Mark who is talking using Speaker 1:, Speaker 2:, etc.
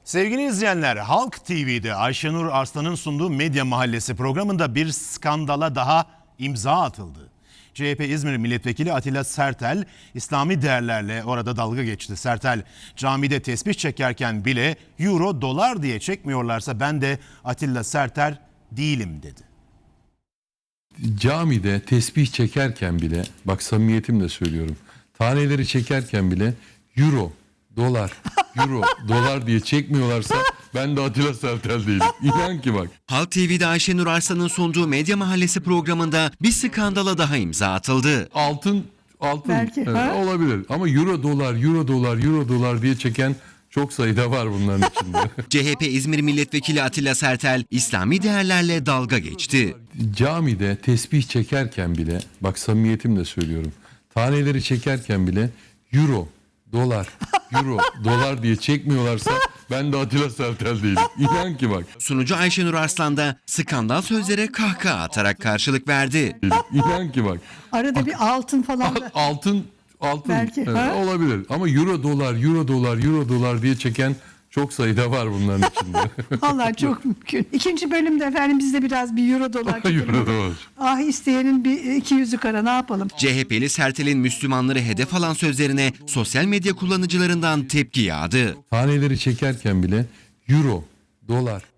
Speaker 1: Sevgili izleyenler, Halk TV'de Ayşenur Arslan'ın sunduğu Medya Mahallesi programında bir skandala daha imza atıldı. CHP İzmir Milletvekili Atilla Sertel, İslami değerlerle orada dalga geçti. Sertel, camide tesbih çekerken bile euro, dolar diye çekmiyorlarsa ben de Atilla Sertel değilim dedi.
Speaker 2: Camide tesbih çekerken bile, bak samimiyetimle söylüyorum, taneleri çekerken bile euro, dolar, euro, dolar diye çekmiyorlarsa ben de Atilla Sertel değilim. İnan ki bak.
Speaker 3: Halk TV'de Ayşenur Arslan'ın sunduğu Medya Mahallesi programında bir skandala daha imza atıldı.
Speaker 2: Altın
Speaker 4: Belki,
Speaker 2: evet, olabilir ama euro, dolar, euro, dolar, euro, dolar diye çeken çok sayıda var bunların içinde.
Speaker 3: CHP İzmir Milletvekili Atilla Sertel, İslami değerlerle dalga geçti.
Speaker 2: Camide tesbih çekerken bile, bak samimiyetimle söylüyorum, taneleri çekerken bile euro, dolar, euro, dolar diye çekmiyorlarsa ben de Atilla Sertel değilim. İnan ki bak.
Speaker 3: Sunucu Ayşenur Arslan da skandal sözlere kahkaha atarak karşılık verdi.
Speaker 2: İnan ki bak.
Speaker 4: Arada bir altın falan da.
Speaker 2: Altın
Speaker 4: Belki,
Speaker 2: evet, olabilir ama euro, dolar, euro, dolar, euro, dolar diye çeken çok sayıda var bunların içinde.
Speaker 4: Vallahi çok mümkün. İkinci bölümde efendim biz de biraz bir euro dolar çekelim.
Speaker 2: Euro, dolar.
Speaker 4: Ah isteyenin bir 200'ü kara ne yapalım?
Speaker 3: CHP'li Sertel'in Müslümanları hedef alan sözlerine sosyal medya kullanıcılarından tepki yağdı.
Speaker 2: Taneleri çekerken bile euro, dolar,